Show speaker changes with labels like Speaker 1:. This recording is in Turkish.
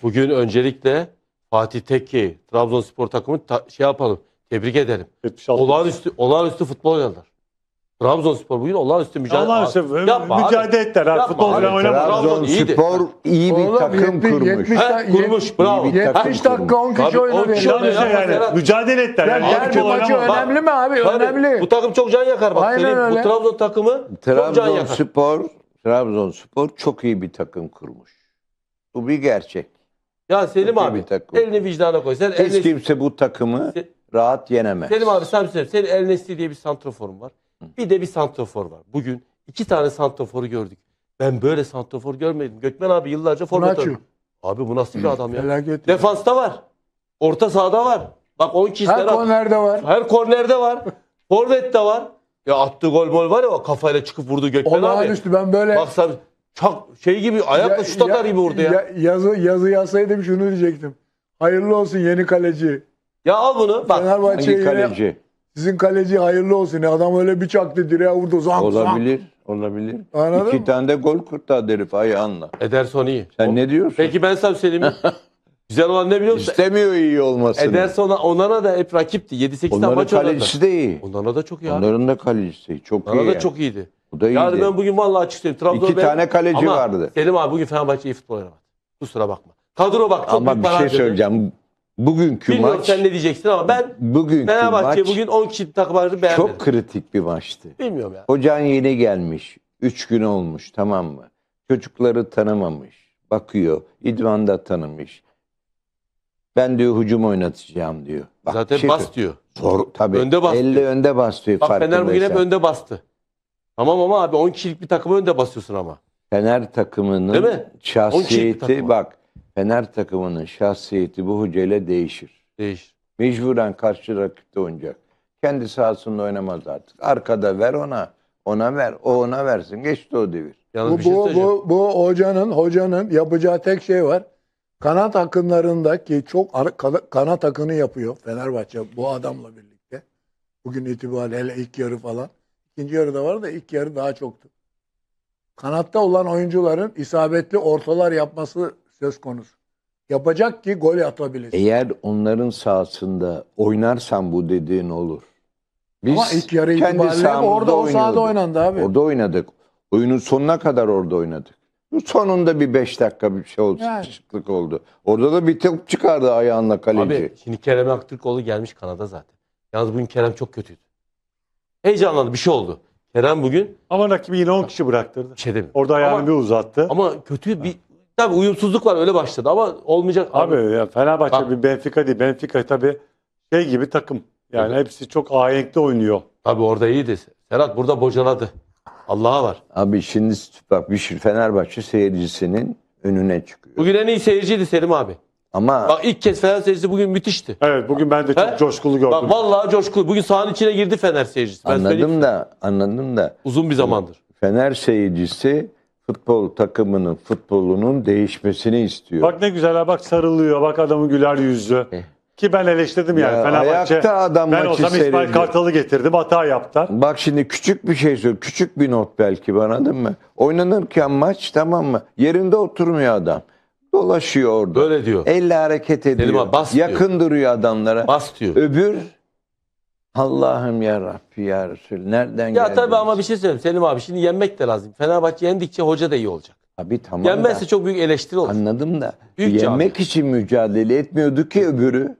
Speaker 1: Bugün öncelikle Fatih Tekke, Trabzonspor takımı şey yapalım. Tebrik edelim.
Speaker 2: 76.
Speaker 1: Olağanüstü futbol oynadılar. Trabzonspor bugün olağanüstü
Speaker 2: mücadele ettiler.
Speaker 1: Yapma
Speaker 2: Futbol
Speaker 1: abi.
Speaker 2: falan oynamadı.
Speaker 3: Trabzonspor iyi bir takım kurmuş.
Speaker 1: Kurmuş, bravo.
Speaker 3: İyi bir takım
Speaker 4: 70 dakika 10
Speaker 1: Tabii,
Speaker 4: kişi
Speaker 1: 10
Speaker 4: oynadı.
Speaker 1: kişi
Speaker 4: Ya.
Speaker 1: oynadı.
Speaker 2: Yani mücadele ettiler.
Speaker 4: Ya
Speaker 2: Yani
Speaker 4: derbi
Speaker 2: futbol
Speaker 4: maçı
Speaker 2: oynamadı.
Speaker 4: önemli mi abi?
Speaker 1: Tabii,
Speaker 4: Önemli.
Speaker 1: bu takım çok can yakar bak.
Speaker 4: Aynen
Speaker 1: Senin,
Speaker 4: öyle.
Speaker 1: bu Trabzon takımı çok can yakar.
Speaker 3: Trabzonspor çok iyi bir takım kurmuş. Bu bir gerçek.
Speaker 1: Ya Selim
Speaker 3: Çok iyi
Speaker 1: abi
Speaker 3: bir takım.
Speaker 1: elini vicdana koy. Sen
Speaker 3: Hiç kimse bu takımı rahat yenemez.
Speaker 1: Selim abi sen söyle. Senin El Nesli diye bir santroforun var. Bir de bir santrofor var. Bugün 2 tane santroforu gördük. Ben böyle santrofor görmedim. Gökmen abi yıllarca forvet
Speaker 4: Nacho.
Speaker 1: oynadı. Abi bu nasıl bir adam ya?
Speaker 4: Felaket.
Speaker 1: Defansta var. Orta sahada var. Bak 10 kişi
Speaker 4: Her kornerde var.
Speaker 1: Her kornerde var. Forvet'te var. Ya attığı gol var ya o kafayla çıkıp vurdu Gökmen abi.
Speaker 4: Olağanüstü ben böyle
Speaker 1: Bak sen çok şey gibi ayakla şut atar gibi vurdu ya.
Speaker 4: Yazı yazsaydım şunu diyecektim. Hayırlı olsun yeni kaleci.
Speaker 1: Ya al bunu bak.
Speaker 4: Fenerbahçe'ye
Speaker 3: Hangi kaleci?
Speaker 4: sizin kaleci hayırlı olsun. Adam öyle bir çaktı direğe vurdu. Zank
Speaker 3: Olabilir. Olabilir.
Speaker 4: Anladın
Speaker 3: 2
Speaker 4: mı?
Speaker 3: tane de gol kurtardı herif ayağınla.
Speaker 1: Ederson iyi.
Speaker 3: Sen ne diyorsun?
Speaker 1: Peki ben sana söyleyeyim mi? Güzel olan ne biliyor musun?
Speaker 3: İstemiyor iyi olmasını.
Speaker 1: Ederson Onana da hep rakipti. 7-8 tane
Speaker 3: Onların
Speaker 1: maç oynadı.
Speaker 3: kalecisi de iyi.
Speaker 1: Onana da çok iyi abi.
Speaker 3: Onların da kalecisi çok
Speaker 1: Onana
Speaker 3: iyi.
Speaker 1: da
Speaker 3: yani.
Speaker 1: çok iyiydi.
Speaker 3: Bu da iyiydi.
Speaker 1: Yani ben bugün vallahi açık söyleyeyim. Trabzon'da
Speaker 3: 2 tane kaleci
Speaker 1: Ama
Speaker 3: vardı.
Speaker 1: Selim abi bugün Fenerbahçe iyi futbol oynamadı. Kusura bakma. Kadro bak çok
Speaker 3: Ama
Speaker 1: büyük
Speaker 3: bir
Speaker 1: para
Speaker 3: şey
Speaker 1: harcadı.
Speaker 3: söyleyeceğim. Bugünkü
Speaker 1: Bilmiyorum
Speaker 3: maç,
Speaker 1: sen ne diyeceksin ama ben
Speaker 3: bugünkü
Speaker 1: Fenerbahçe
Speaker 3: maç
Speaker 1: bugün 10 kişi takım vardı beğenmedim.
Speaker 3: çok kritik bir maçtı.
Speaker 1: Bilmiyorum ya.
Speaker 3: Hocan yeni gelmiş. 3 gün olmuş, tamam mı? Çocukları tanımamış. Bakıyor. İdman'da tanımış. Ben diyor hücum oynatacağım diyor. Bak,
Speaker 1: Zaten bas diyor.
Speaker 3: Zor, tabii.
Speaker 1: Önde bas
Speaker 3: Elle
Speaker 1: diyor.
Speaker 3: önde bas diyor.
Speaker 1: Bak Fener bugün hep
Speaker 3: farkındaysan.
Speaker 1: önde bastı. Tamam ama abi 10 kişilik bir takımı önde basıyorsun ama.
Speaker 3: Fener
Speaker 1: Değil
Speaker 3: takımının
Speaker 1: mi? 10 kişilik bir
Speaker 3: şahsiyeti
Speaker 1: takım.
Speaker 3: bak. Fener takımının şahsiyeti bu hocayla değişir.
Speaker 1: Değişir.
Speaker 3: Mecburen karşı rakipte oynayacak. Kendi sahasında oynamaz artık. Arkada ver ona. Ona ver. O ona versin. Geçti o devir.
Speaker 1: Yalnız bir şey söyleyeceğim.
Speaker 4: Bu hocanın yapacağı tek şey var. Kanat akınlarındaki kanat akını yapıyor Fenerbahçe bu adamla birlikte. Bugün itibariyle hele ilk yarı falan. İkinci yarı da var da ilk yarı daha çoktu. Kanatta olan oyuncuların isabetli ortalar yapması söz konusu. Yapacak ki gol atabilesin.
Speaker 3: Eğer onların sahasında oynarsan bu dediğin olur. Biz
Speaker 4: Ama ilk yarı
Speaker 3: kendi
Speaker 4: itibariyle
Speaker 3: sahamızda
Speaker 4: orada o sahada
Speaker 3: oynuyorduk.
Speaker 4: oynandı abi.
Speaker 3: Orada oynadık. Oyunun sonuna kadar orada oynadık. Bu sonunda bir 5 dakika bir şey oldu.
Speaker 4: Yani.
Speaker 3: Sıkışıklık oldu. Orada da bir top çıkardı ayağınla kaleci.
Speaker 1: Abi şimdi Kerem Aktürkoğlu gelmiş Kanada zaten. Yalnız bugün Kerem çok kötüydü. Heyecanlandı bir şey oldu. Kerem bugün
Speaker 2: Ama rakibi yine 10 kişi bıraktırdı.
Speaker 1: bir şey demiyor.
Speaker 2: Orada ayağını
Speaker 1: Ama-
Speaker 2: bir uzattı.
Speaker 1: Ama kötü bir tabii uyumsuzluk var öyle başladı ama olmayacak.
Speaker 2: Abi ya Fenerbahçe
Speaker 1: Bak.
Speaker 2: bir Benfica değil. Benfica tabii şey gibi takım. Yani hepsi çok ahenkli oynuyor.
Speaker 1: Tabii orada iyiydi. Serhat burada bocaladı. Allah'a var.
Speaker 3: Abi şimdi bak bir şey Fenerbahçe seyircisinin önüne çıkıyor.
Speaker 1: Bugün en iyi seyirciydi Selim abi.
Speaker 3: Ama
Speaker 1: Bak ilk kez Fener seyircisi bugün müthişti.
Speaker 2: Evet bugün ben de çok
Speaker 1: He?
Speaker 2: coşkulu gördüm.
Speaker 1: Bak vallahi coşkulu. Bugün sahanın içine girdi Fener seyircisi. Ben söyleyeyim.
Speaker 3: anladım da
Speaker 1: Uzun bir zamandır.
Speaker 3: Fener seyircisi futbol takımının futbolunun değişmesini istiyor.
Speaker 2: Bak ne güzel ha, bak sarılıyor. Bak adamın güler yüzü. Ki ben eleştirdim yani.
Speaker 3: Ya
Speaker 2: Fenerbahçe.
Speaker 3: ayakta adam
Speaker 2: Ben
Speaker 3: maçı
Speaker 2: olsam İsmail
Speaker 3: seyrediyor.
Speaker 2: Kartal'ı getirdim. Hata yaptılar.
Speaker 3: Bak şimdi küçük bir şey söyleyeyim. Küçük bir not belki anladın mı? Oynanırken maç tamam mı? Yerinde oturmuyor adam. Dolaşıyor orada.
Speaker 1: Böyle diyor.
Speaker 3: Elle hareket ediyor.
Speaker 1: Selim abi, bas diyor.
Speaker 3: Yakın duruyor adamlara.
Speaker 1: Bas diyor.
Speaker 3: Öbür Allah'ım ya Rabbi ya Resul. Nereden
Speaker 1: Ya
Speaker 3: geldi?
Speaker 1: tabii ama bir şey söyleyeyim Selim abi. Şimdi yenmek de lazım. Fenerbahçe yendikçe hoca da iyi olacak.
Speaker 3: Abi tamam
Speaker 1: Yenmezse
Speaker 3: da,
Speaker 1: çok büyük eleştiri olur.
Speaker 3: anladım da
Speaker 1: Büyük
Speaker 3: yenmek için mücadele etmiyordu ki öbürü.